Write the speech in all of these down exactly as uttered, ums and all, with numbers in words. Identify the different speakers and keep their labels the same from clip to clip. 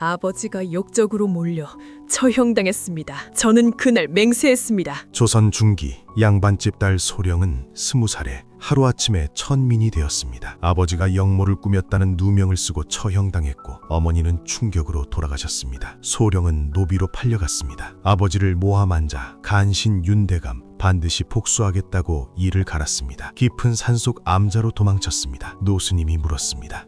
Speaker 1: 아버지가 역적으로 몰려 처형당했습니다. 저는 그날 맹세했습니다.
Speaker 2: 조선 중기 양반집 딸 소령은 스무 살에 하루아침에 천민이 되었습니다. 아버지가 역모를 꾸몄다는 누명을 쓰고 처형당했고 어머니는 충격으로 돌아가셨습니다. 소령은 노비로 팔려갔습니다. 아버지를 모함한 자 간신 윤대감 반드시 복수하겠다고 이를 갈았습니다. 깊은 산속 암자로 도망쳤습니다. 노스님이 물었습니다.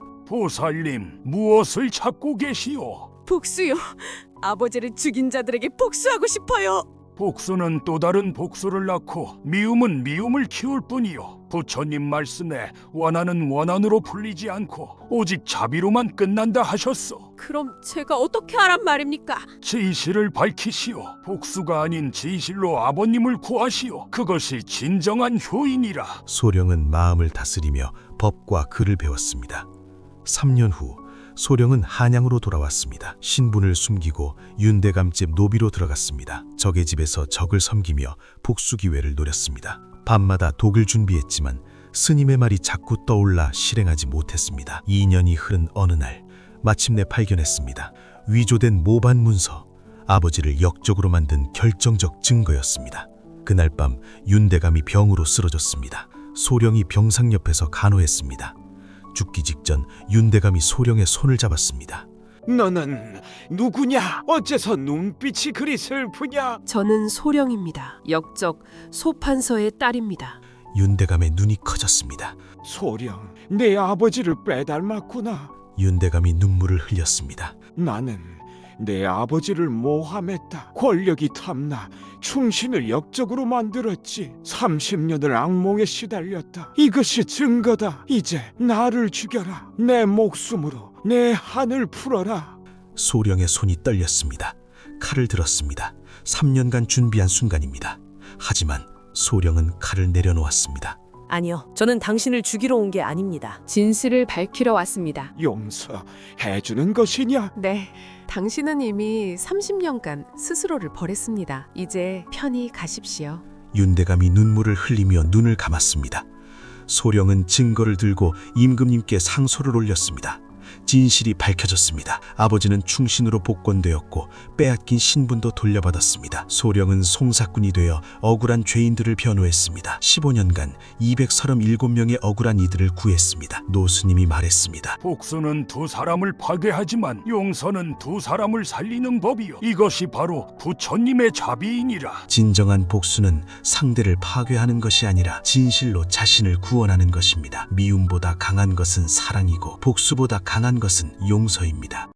Speaker 3: 보살님, 무엇을 찾고 계시오?
Speaker 1: 복수요. 아버지를 죽인 자들에게 복수하고 싶어요.
Speaker 3: 복수는 또 다른 복수를 낳고 미움은 미움을 키울 뿐이요. 부처님 말씀에 원한은 원한으로 풀리지 않고 오직 자비로만 끝난다 하셨소.
Speaker 1: 그럼 제가 어떻게 하란 말입니까?
Speaker 3: 진실을 밝히시오. 복수가 아닌 진실로 아버님을 구하시오. 그것이 진정한 효인이라.
Speaker 2: 소령은 마음을 다스리며 법과 글을 배웠습니다. 삼 년 후 소령은 한양으로 돌아왔습니다. 신분을 숨기고 윤대감집 노비로 들어갔습니다. 적의 집에서 적을 섬기며 복수 기회를 노렸습니다. 밤마다 독을 준비했지만 스님의 말이 자꾸 떠올라 실행하지 못했습니다. 이 년이 흐른 어느 날 마침내 발견했습니다. 위조된 모반 문서, 아버지를 역적으로 만든 결정적 증거였습니다. 그날 밤 윤대감이 병으로 쓰러졌습니다. 소령이 병상 옆에서 간호했습니다. 죽기 직전 윤대감이 소령의 손을 잡았습니다.
Speaker 4: 너는 누구냐? 어째서 눈빛이 그리 슬프냐?
Speaker 5: 저는 소령입니다. 역적 소판서의 딸입니다.
Speaker 2: 윤대감의 눈이 커졌습니다.
Speaker 4: 소령, 내 아버지를 빼닮았구나.
Speaker 2: 윤대감이 눈물을 흘렸습니다.
Speaker 4: 나는 내 아버지를 모함했다. 권력이 탐나 충신을 역적으로 만들었지. 삼십 년을 악몽에 시달렸다. 이것이 증거다. 이제 나를 죽여라. 내 목숨으로 내 한을 풀어라.
Speaker 2: 소령의 손이 떨렸습니다. 칼을 들었습니다. 삼 년간 준비한 순간입니다. 하지만 소령은 칼을 내려놓았습니다.
Speaker 6: 아니요, 저는 당신을 죽이러 온 게 아닙니다.
Speaker 5: 진실을 밝히러 왔습니다.
Speaker 4: 용서해주는 것이냐?
Speaker 5: 네, 당신은 이미 삼십 년간 스스로를 버렸습니다. 이제 편히 가십시오.
Speaker 2: 윤대감이 눈물을 흘리며 눈을 감았습니다. 소령은 증거를 들고 임금님께 상소를 올렸습니다. 진실이 밝혀졌습니다. 아버지는 충신으로 복권되었고 빼앗긴 신분도 돌려받았습니다. 소령은 송사꾼이 되어 억울한 죄인들을 변호했습니다. 십오 년간 이백삼십칠 명의 억울한 이들을 구했습니다. 노스님이 말했습니다.
Speaker 3: 복수는 두 사람을 파괴하지만 용서는 두 사람을 살리는 법이요. 이것이 바로 부처님의 자비이니라.
Speaker 2: 진정한 복수는 상대를 파괴하는 것이 아니라 진실로 자신을 구원하는 것입니다. 미움보다 강한 것은 사랑이고 복수보다 강한 것은 용서입니다.